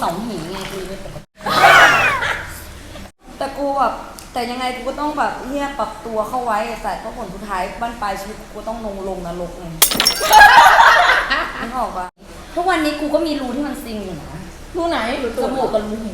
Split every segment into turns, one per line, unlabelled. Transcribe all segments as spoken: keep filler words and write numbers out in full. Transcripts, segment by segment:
เสาหินไงกูไม่ปกติแต่กูแบบแต่ยังไงกูก็ต้องแบบเฮียปรับตัวเข้าไว้แต่ก็ผลสุดท้ายบ้านปลายชีวิตกูต้องลงลงนรกไงนึกออกปะทุกวันนี้กูก็มีรูที่มันซิงอยู่นะ
รูไหน
จมูกกับรูหู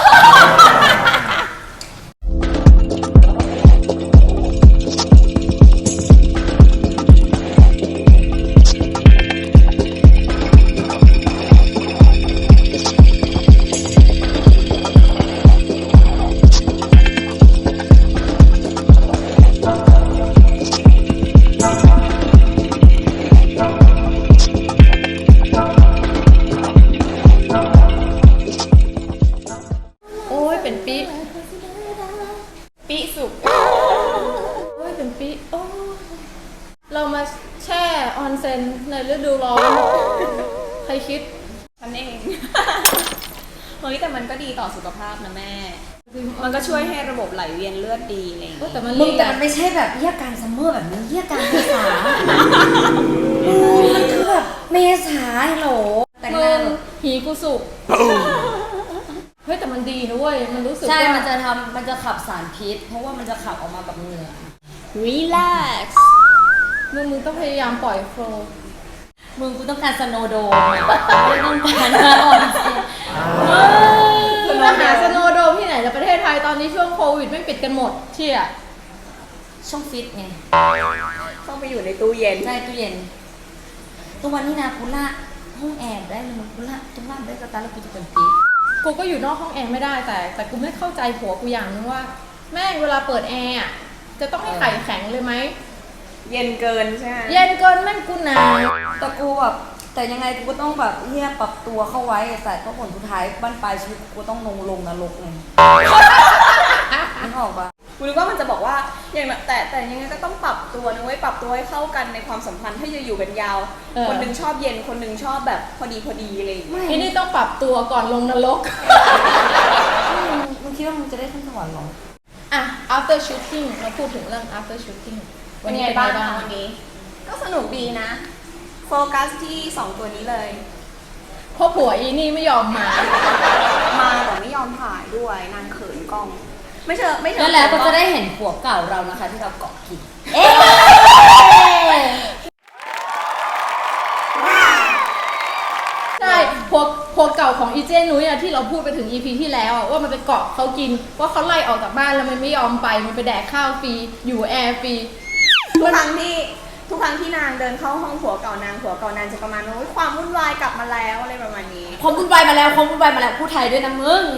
ปีสุกโอ้ยเป็นปีโอ้เรามาแช่ออนเซ็นในฤดูร้อนใครคิด
ฉันเองเฮ้ยแต่มันก็ดีต่อสุขภาพนะแม่มันก็ช่วยให้ระบบไหลเวียนเลือดดีอะไรอย่างเงี้ย
แต่มันมึงแต่มันไม่ใช่แบบเยี่ยการซัมเมอร์แบบนี้เยี่ยการเมษามันคือแบบเมษาโหล
แต่งหน้าหีกูสุกเฮ้ยแต่มันดีนะเว้ยมันรู้สึกว่า
ใช่มันจะทำมันจะขับสารพิษเพราะว่ามันจะขับออกมากับเหงื่อ
relax
มึงมึงต้องพยายามปล่อยโฟล์
มึงกูต้องการสโนว์โดมไม่ต้องการหน้าอ่อนสิ
คุณมาหาสโนว์โดมที่ไหนในประเทศไทยตอนนี้ช่วงโควิดไม่ปิดกันหมดเชี่ย
ช่องฟิตไง
ต้องไปอยู่ในตู้เย็น
ใช่ตู้เย็นตัววันนี้นะกูละห้องแอร์ได้เลยมึงกูละตุ้งล่างได้กระตาแล้วกูจะเป็นปี
กูก็อยู่นอกห้องแอร์ไม่ได้แต่แต่กูไม่เข้าใจผัวกูอย่างนึงว่าแม่งเวลาเปิดแอร์จะต้องให้ไข่แข็งเลยไหม
เย็นเกินใช่ไหม
เย็นเกินแม่งกูหนาว
แต่กูแบบแต่ยังไงกูก็ต้องแบบเฮียปรับตัวเข้าไว้แต่ก็ผลสุดท้ายบ้านปลายชีวิตกูต้องลงลงนรกไงนึกออกปะ
กูนึกว่ามันจะบอกว่าอย่างแต่แต่ยังไงก็ต้องปรับตัวนะเว้ยปรับตัวให้เข้ากันในความสัมพันธ์ถ้าจะอยู่กันยาวคนนึงชอบเย็นคนนึงชอบแบบพอดีพอดีอะไรอย่างเงี้ย
ไอ้นี่ต้องปรับตัวก่อนลงนรก
มึงคิดว่ามึงจะได้ขึ้นสวรรค์หรอ
อ่ะ after shooting เราพูดถึงเรื่อง after shooting
วันนี้เป็นไงบ้างวันนี้ก็สนุกดีนะโฟกัสที่สองตัวนี้เลย
เพราะผัวอีนี่ไม่ยอมมา
มาแต่ไม่ยอมถ่ายด้วยนางเขินกล้องไม่เชิญไม่เชิญ
แล้วแล้วก็จะได้เห็นผัวเก่าเรานะคะที่เราเกาะกินเอ๊
ใช่ผัวผัวเก่าของอีเจนุ้ยอะที่เราพูดไปถึง อี พี ที่แล้วว่ามันไปเกาะเขากินว่าเขาไล่ออกจากบ้านแล้วมันไม่ยอมไปมันไปแดกข้าวฟรีอยู่แอร์ฟรี
ทุกครั้งที่ทุกครั้งที่นางเดินเข้าห้องผัวเก่านางผัวเก่านางจะประมาณว่าความวุ่นวายกลับมาแล้วอะไรประมาณนี้
ความวุ่นวายมาแล้วความวุ่นวายมาแล้วพูดไทยด้วยนะมึง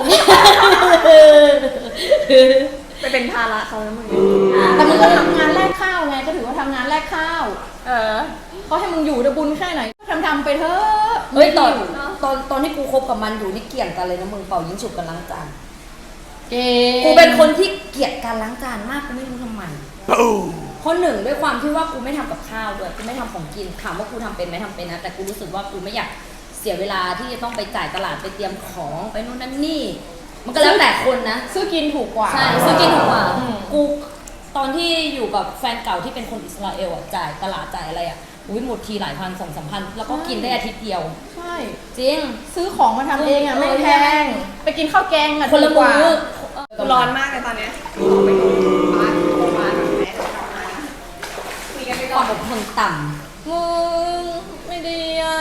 ไปเป็นภาระเขาแล้วมึง
แต่มึงก็ทำงานแลกข้าวไงก็ถือว่าทำงานแลกข้าว
เออ
เขาให้มึงอยู่จะบุญแค่ไหนทำทำไปเถอะ
เฮ้ยตอนตอนตอนที่กูคบกับมันอยู่นี่เกลียดกันเลยนะมึงเป่ายิงฉุบกันล้างจานกูเป็นคนที่เกลียดการล้างจานมากกูไม่รู้ทำไมเพราะหนึ่งด้วยความที่ว่ากูไม่ทำกับข้าวด้วยกูไม่ทำของกินถามว่ากูทำเป็นไหมทำเป็นนะแต่กูรู้สึกว่ากูไม่อยากเสียเวลาที่จะต้องไปจ่ายตลาดไปเตรียมของไปนู่นนั่นนี่มันก็แล้วแต่คนนะ
ซื้อกินถูกกว่า
ใช่ซื้อกินถูกกว่ากูตอนที่อยู่กับแฟนเก่าที่เป็นคนอิสราเอลอ่ะจ่ายตลาดจ่ายอะไรอ่ะอุ้ยหมดทีหลายพันสองสามพันแล้วก็กินได้อาทิตย์เดียว
ใช่
จริง
ซื้อของมาทำเองอ่ะไม่แพงไปกินข้าวแกงอ่ะ
คนละมื้อ
ร้อนมากเลยตอนนี้ไปดูบ้านโทรมาแบบแม่ทำงานคุยกันไปก่อน
แบบคนต่
ำมึงไม่ดีอ่ะ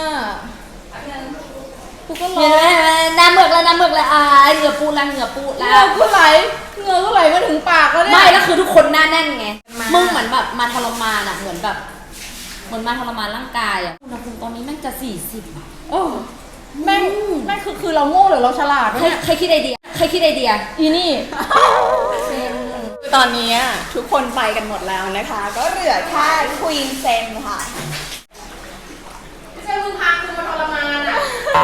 กูก็
ร้อนน้ำเมือกแล้วน้ำเมือกแล้วอ่าเหงื่อปูแล้วเหงื่อปูแล้ว
เหงื่อกูไหลเหงื่อกูไหลมาถึงปากแล้วเนี่ย
ไม่แล้วคือทุกคนหน้าแน่นไงมึงเหมือนแบบมาทรมานอ่ะเหมือนแบบเหมือนมาทรมานร่างกายอ่ะอุณหภูมิตอนนี้แม่งจะสี่สิบ
โอ้แม่งแม่งคือคือเราโง่หรือเราฉลาด
ใครใครคิดไอเดียใครคิดไอเดีย
อีนี่
ตอนนี้ทุกคนไปกันหมดแล้วนะคะก็เหลือแค่ควีนเซนค่ะ
ไม่ใช่มึงพาคุณมาทรมานอ่ะ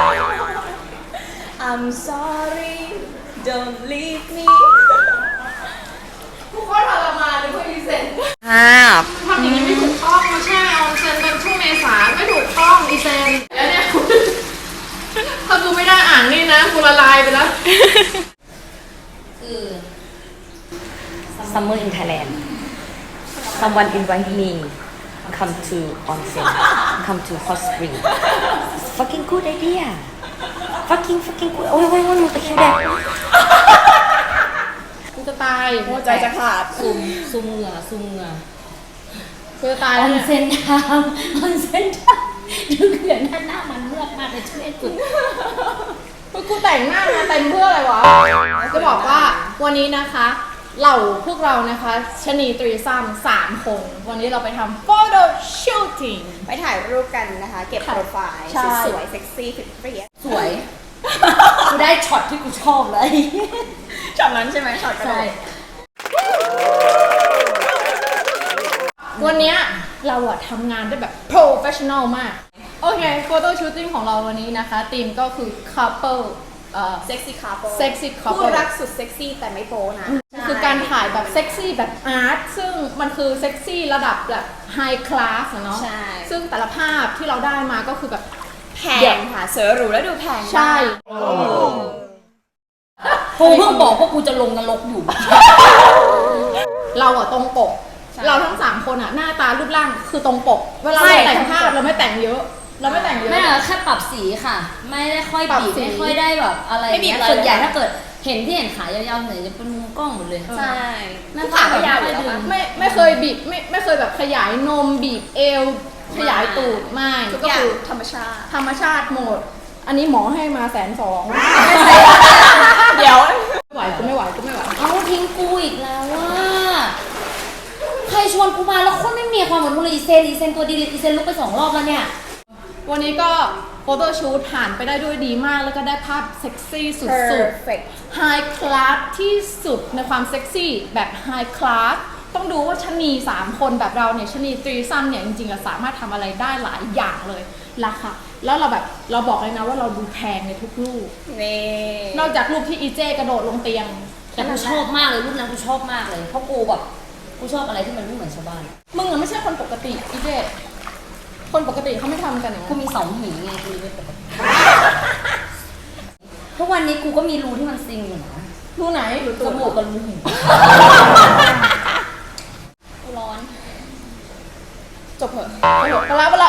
I'm sorry don't leave me
กูก็ทรมานเลยควีนเซน
อ่า
ทำอย่างนี้ไม่ถูกต้องมาแช่ออนเซนเป็นช่วงเมษาไม่ถูกต้องอีเซนแล้วเนี่ยถ้ากูไม่ได้อ่านนี่นะกูละลายไปแล้ว
คือ Summer in Thailand someone invite me come to onsen come to hot spring fucking good idea fucking fucking กูโอ้ยโอ้ยโอ้ยมึงตะคริวแดก
กูจะตาย
หัวใจจะขาด
ซุ่มซุ่มเหงื่อซุ่มเหงื่อ
กูจะตาย
อ
แล้ว
อน
เนี่ย
เซนทามออนเซนทามดูเขื่อนด้านหน้ามันเลือกมากเลยช่วยสุด
กูแต่งหน้ามาเต็มเพื่ออะไรวะ จะบอกว่าวันนี้นะคะเหล่าพวกเรานะคะชะนีตรีซัมสามคน วันนี้เราไปทำ photo shooting
ไปถ่ายรูปกันนะคะ เก็บโปรไฟล์
ใช่
สวยๆเซ็กซี่ฟิตเปรี้ย
สวย กูได้ช็อตที่กูชอบเลย
ช็อตนั้นใช่ไหมช็อตกระโด
ใช่
ด
วันเนี้ยเราอะทำงานได้แบบ professional มาก โอเค photo shooting ของเราวันนี้นะคะธีมก็คือ couple เอ่อ
เซ็กซี่คาร์โป
sexy couple
คู่รักสุดเซ็กซี่แต่ไม่โป๊นะ
คือการถ่ายแบบเซ็กซี่แบบอาร์ตซึ่งมันคือเซ็กซี่ระดับแบบไฮคลาสเนาะ
ใช่
ซึ่งแต่ละภาพที่เราได้มาก็คือแบบ
แพงค่ะเสือหรูแล้วดูแพงมาก
ใช่
กูเพิ่งบอกว่ากูจะลงนรกอยู่
เราอะตรงปก
ใช่
เราทั้งสามคนอะหน้าตารูปร่างคือตรงปก เวลา
ใช่
เราแต่งภาพเราไม่แต่งเยอะ เราไม่แต่งเยอะ
ไม่อะแค่ปรับสีค่ะ ไม่ได้ค่อย
ปรับ
บีบ
สี
ไม่ค่อยได้แบบอะไร
ไม่บีบ
เงี้ย
เลย
ส่วนใหญ่ถ้าเกิดเห็นที่เห็นขายาวๆหน่อยจะเป็นมุมกล้องหมดเลย
ใช่
หน้า
ขา
ตา
ก็ยาวอยู่
ไม่
แล้ว
ค่อยดึ
ปะ
ง
ไม่ไม่เคยบีบไม่ไม่เคยแบบขยายนมบีบเอว ขยายตูดไม่
ทุก
ก็
อย่าง
คือ
ธรรมชาติ
ธรรมชาติหมด อันนี้หมอให้มาแสนสอง
เดี๋ยว
ไม่ไหวกูไม่ไหวกูไม่ไหว
เอาทิ้งกูอีกแล้วว่าใครชวนกูมาแล้วโคนไม่มีความหวังเลยอีเซนอีเซนตัวดีเลยอีเซนลุกไปสองรอบแล้วเนี่ย
วันนี้ก็โฟโต้ชูตผ่านไปได้ด้วยดีมากแล้วก็ได้ภาพเซ็กซี่สุด
perfect
ๆไฮคลาสที่สุดในความเซ็กซี่แบบไฮคลาสต้องดูว่าชะนีสามคนแบบเราเนี่ยชะนีตรีซัมเนี่ยจริงๆเราสามารถทำอะไรได้หลายอย่างเลยราคาแล้วเราแบบเราบอกเลยนะว่าเราดูแพงในทุกรูป
นี่
นอกจากรูปที่อีเจกระโดดลงเตียง
แต่กูชอบมากเลยรูปนั้นกูชอบมากเลยเพราะกูแบบกูชอบอะไรที่มันไม่เหมือนชาวบ้าน
มึงอะไม่ใช่คนปกติอีเจคนปกติเขาไม่ทำกันอย่าง
กู
นั้น
มีสองหีไงกูเลยไม่ปกติทุกวันนี้กูก็มีรูที่มันซิงอยู่นะ
รูไหนรู
จ
ตูด
มูกกับรูหู
ร้อน
จบเหอะจบเหอะไปแล้วไปแล้ว